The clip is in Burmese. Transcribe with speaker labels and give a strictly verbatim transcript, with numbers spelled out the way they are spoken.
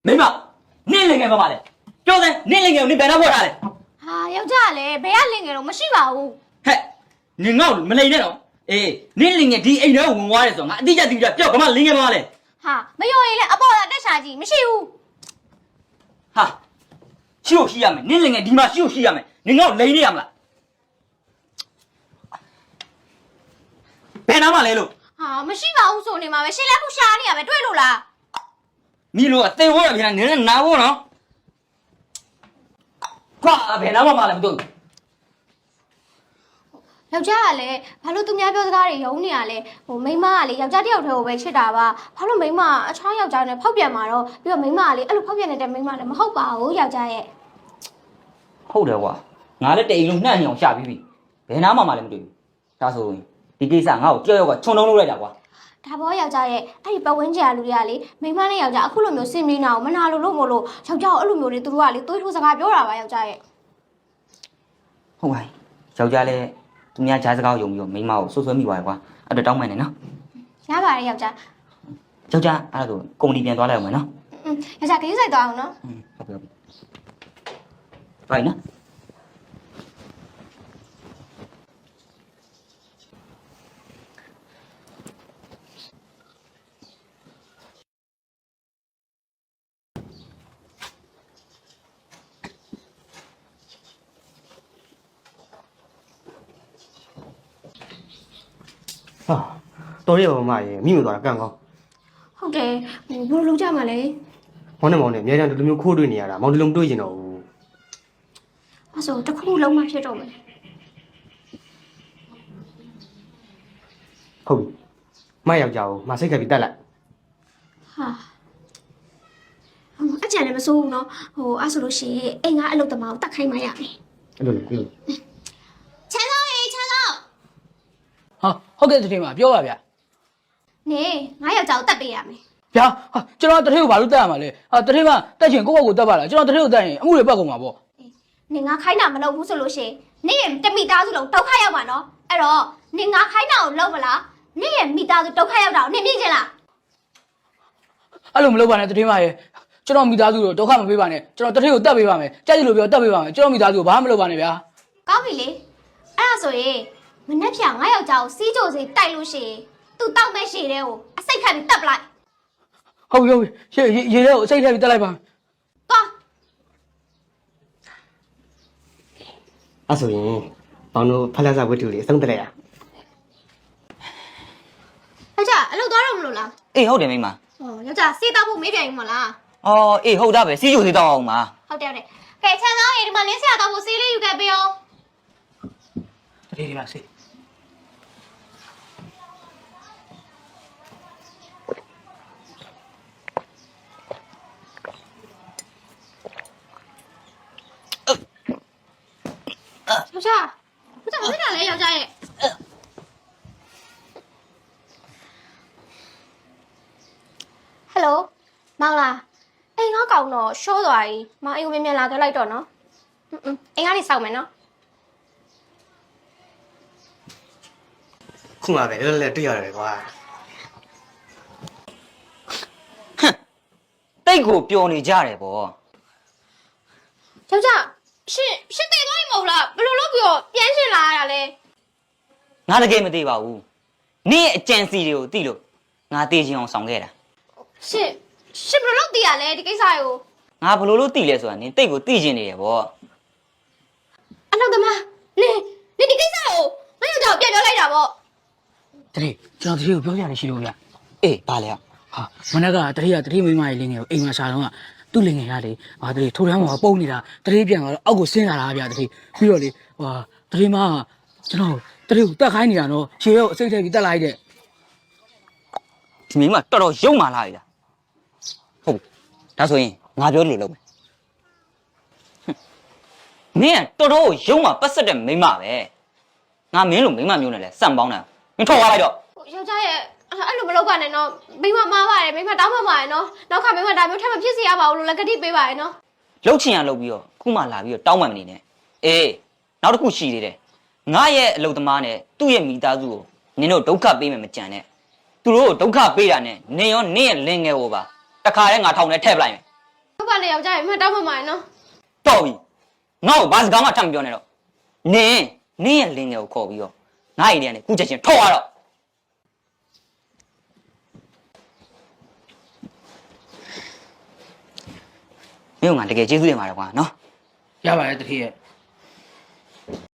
Speaker 1: 没嘛，你领给妈妈的，叫人你领给你别拿过来的。
Speaker 2: ဟာယောက်ျားလည်းဘယ်ကလင်ငယ်တော့မရှိပါဘူး
Speaker 1: 嘿，你熬没领那种？哎，你领给第一人问我的时候，俺底下底下叫干嘛领给妈妈的？
Speaker 2: ဟာမယုံရင်လည်းအပေါ်ကတက်ရှာကြည့်မရှိဘူး
Speaker 1: 哈，休息呀没？你领给地妈休息呀没？你熬领的呀没？别拿嘛来喽！
Speaker 2: ဟာမရှိပါဘူးဆိုနေမှာပဲရှင်းလက်ခုရှာနေရပဲတွေ့လို့လား
Speaker 1: 你如果对我这边，你能拿我呢？挂别拿妈妈来不都？
Speaker 2: ယောက်ျားကလည်းဘာလို့သူများပြောစကားတွေယုံနေရလဲဟိုမိန်းမကလေယောက်ျားတစ်ယောက်တည်းကိုပဲချစ်တာပါဘာလို့မိန်းမအချောင်းယောက်ျားနဲ့ဖောက်ပြန်มาတော့ပြီးတော့မိန်းမကလေအဲ့လိုဖောက်ပြန်နေတဲ့မိန်းမလည်းမဟုတ်ပါဘူးယောက်ျားရဲ့
Speaker 1: ဟုတ်တယ်ကွာငါလည်းတိတ်လုံးနှံ့နေအောင်ရှာပြီးပြီဘယ်နာမှမလည်းမတွေ့ဘူးဒါဆိုရင်ဒီကိစ္စငါ့ကိုကြောက်ရောက်ကခြုံလုံးလုပ်လိုက်တာကွာ
Speaker 2: ဒါဘောယောက်ျားရဲ့အဲ့ဒီပတ်ဝန်းကျင်ကလူတွေကလေမိန်းမနဲ့ယောက်ျားအခုလိုမျိုးစင်ပြေးနေအောင်မနာလို့လို့မို့လို့ယောက်ျားကိုအဲ့လိုမျိုးတွေသူတို့ကလေတွေးထိုးစကားပြောတာပါယောက်ျားရဲ့
Speaker 1: ဟုတ်ပါပြီယောက်ျားလည်းသူများကြားစကားကိုယုံပြီးတော့မိန်းမကိုဆွဆွဲမိပါတယ်ကွာအဲ့တော့တောင်းမှန်တယ်နော်
Speaker 2: ရပါတယ်ယောက်ျား
Speaker 1: ယောက်ျားအဲ့ဒါဆိုကုမ္ပဏီပြန်သွားလိုက်အောင်မယ်နော်
Speaker 2: อืมယောက်ျားခရီးဆိုင်သွားအောင်နော်
Speaker 1: ဟုတ်ပြီဟုတ်ပြီဘိုင်နော်
Speaker 3: ဟာတော်ရပါမရေမိမသွားတာကန့်ကောင်း
Speaker 2: ဟုတ်တယ်ဟိုဘယ်လိုလုပ်ကြမှာလဲ
Speaker 3: မောင်နဲ့မောင်နဲ့အများကြီးဒီလိုမျိုးခိုးတွေ့နေရတာမောင်ဒီလိုမတွေ့ကျင်တော့ဘူး
Speaker 2: အဲ့ဆိုတစ်ခုလုံးမှဖြစ်တော့မယ်
Speaker 3: ဟုတ်ပြီမယောက်ျားကိုမစိတ်ခက်ပြီးတက်လိုက်
Speaker 2: ဟာဟိုအကြံလည်းမစိုးဘူးနော်ဟိုအဲ့ဆိုလို့ရှိရင်အိမ်ကအလုပ်သမားကိုတတ်ခိုင်းမှရမယ်
Speaker 3: အဲ့လိုလေအဲ့လို
Speaker 2: ချမ်းသောရေချမ်းသော
Speaker 4: ဟာဟုတ်ကဲ့တထင်းပါပြောပါဗျာ
Speaker 2: နေငါယောက်ျားကိုတတ်ပေးရမယ်
Speaker 4: ဗျာဟာကျွန်တော်တထင်းကိုဘာလို့တက်ရမှာလဲဟာတထင်းကတက်ချင်ကိုယ့်ဘက်ကိုတက်ပါလားကျွန်တော်တထင်းကိုတက်ရင်အမှုတွေပတ်ကုန်မှာပေါ့
Speaker 2: နေငါခိုင်းတာမလုပ်ဘူးဆိုလို့ရှိရင်နေရဲ့တမိသားစုလုံးဒုက္ခရောက်မှာနော်အဲ့တော့နေငါခိုင်းတာကိုလုပ်မလားနေရဲ့မိသားစုဒုက္ခရောက်တာကိုနေမြင်ချင်လား
Speaker 4: အဲ့လိုမလုပ်ပါနဲ့တထင်းမရဲ့ကျွန်တော်မိသားစုကိုဒုက္ခမပေးပါနဲ့ကျွန်တော်တထင်းကိုတက်ပေးပါမယ်ကြိုက်တယ်လို့ပြောတက်ပေးပါမယ်ကျွန်တော်မိသားစုကိုဘာမှမလုပ်ပါနဲ့ဗျာ
Speaker 2: ကောင်းပြီလေအဲ့ဒါဆိုရင်မနှက်ဖြာငါယောက်ျားကိုစီးကြိုစေတိုက်လို့ရှိရင်သူတောက်မဲ့ရှည်တဲ့ကိုအစိတ်ခတ်ပြီးတက်ပလိုက်
Speaker 4: ဟုတ်ပြီဟုတ်ပြီရေရေထဲကိုအစိတ်ထည့်ပြီးတက်လိုက်ပါမယ်
Speaker 2: သွား
Speaker 3: အဲ့ဆိုရင်မောင်တို့ဖက်လက်စားဝတ္ထုလေးအဆုံးတက်လိုက်ရ
Speaker 2: ယောက်ျားအလုပ်သွားတော့မလို့လား
Speaker 1: အေးဟုတ်တယ်မိန်းမ
Speaker 2: ဟောယောက်ျားစေးတောက်ဖို့မေးပြန်ပြီမလား
Speaker 1: အော်အေးဟုတ်တာပဲစီးကျူသေးတော့အောင်ပါ
Speaker 2: ဟုတ်တယ်ဟုတ်တယ်ကဲချမ်းသောရေဒီမှာလင်းဆရာတောက်ဖို့စေးလေးယူခဲ့ပေးအောင်
Speaker 4: တထင်းဒီမှာစေး
Speaker 2: ယောက်ျားယောက်ျားမဖြစ်တာလဲယောက်ျားရဲ့ဟယ်လိုမောင်လားအိမ်ငါကောင်တော့ရှိုးသွားပြီမောင်အိမ်ကိုမြန်မြန်လာခဲ့လိုက်တော့နော်อืมအိမ်ကနေစောက်မယ်နော်
Speaker 3: ခုမှပဲလဲလဲတွေ့ရတယ်ကွာ
Speaker 1: တိတ်ကိုပျော်နေကြတယ်ဗော
Speaker 2: ယောက်ျားရှင်ရှင်တည်သွားပြီမဟုတ်လားဘယ်လိုလုပ်ပြီးတော့ပြန်ရှင်လာရတာလဲ
Speaker 1: ငါတကယ်မသိပါဘူးနင့်ရဲ့အကြံစီတွေကိုသိလို့ငါသိချင်အောင်ဆောင်ခဲ့တာ
Speaker 2: ရှင်ရှင်ဘယ်လိုလုပ်တည်ရလဲဒီကိစ္စကို
Speaker 1: ငါဘလို့လို့သိလဲဆိုတာနင်တိတ်ကိုသိချင်နေတယ်ဗော
Speaker 2: အနောက်သမားနေနေဒီကိစ္စကိုမယောက်ျားကိုပြန်ပြောလိုက်တာပေါ့
Speaker 4: တထင်းကျွန်တော်တထင်းကိုပြောပြရရှိလို့ဗျာ
Speaker 1: အေးဘာလဲ
Speaker 4: ဟာမနက်ကတထင်းကတထင်းမိမရဲ့လင်းငယ်ကိုအိမ်မှာရှာတော့ကသူ့လင်းငယ်ရတယ်ဟာတထင်းထိုးထမ်းမှာပုံနေတာတထင်းပြန်သွားတော့အောက်ကိုဆင်းလာတာဗျာတထင်းပြီးတော့လေဟာတထင်းမကကျွန်တော်တထင်းကိုတက်ခိုင်းနေတာနော်ရှေ့ရောအစိတ်ထည့်ပြီးတက်လိုက်တဲ့
Speaker 1: ဒီမိန်းမတော်တော်ယုံမာလာပြီလားဟုတ်ပြီဒါဆိုရင်ငါပြောလို့လုပ်မယ်နင်ကတော်တော်ယုံမာပတ်ဆက်တဲ့မိန်းမပဲငါမင်းလိုမိန်းမမျိုးနဲ့လဲစံပေါင်းတယ်မင်းထွက်သွားလိုက်တော့
Speaker 2: ယောက်ျားရဲ့အဲ့လိုမလုပ်ပါနဲ့နော်မိမမားပါတယ်မိမတောင်းမှပါတယ်နော်နောက်ခါမိမဒါမျိုးထပ်မဖြစ်စေရပါဘူးလို့လည်းကတိပေးပါတယ်နော်
Speaker 1: လှုပ်ချင်ရလှုပ်ပြီးတော့ခုမှလာပြီးတော့တောင်းမှမနေနဲ့အေးနောက်တစ်ခုရှိသေးတယ်ငါရဲ့အလုပ်သမားနဲ့သူ့ရဲ့မိသားစုကိုနင်တို့ဒုက္ခပေးမယ်မကြံနဲ့သူတို့ကိုဒုက္ခပေးတာနဲ့နင်ရောနင်ရဲ့လင်ငယ်ကိုပါတခါတည်းငါထောင်ထဲထည့်ပလိုက်မယ်
Speaker 2: နဲ့ယောက်ျားရဲ့မှတ်တောင်းမှမှာနော်
Speaker 1: တော်ပြီငါ့ကိုဘာစကားမှထပ်မပြောနဲ့တော့နင်းနင်းရဲ့လင်းငယ်ကိုခေါ်ပြီးတော့ငါ့အိမ်ထဲကနေခုချက်ချင်းထောက်ရတော့မင်းကတကယ်ကျေးဇူးတင်ပါတယ်ကွာနော်
Speaker 4: ရပါတယ်တတိယ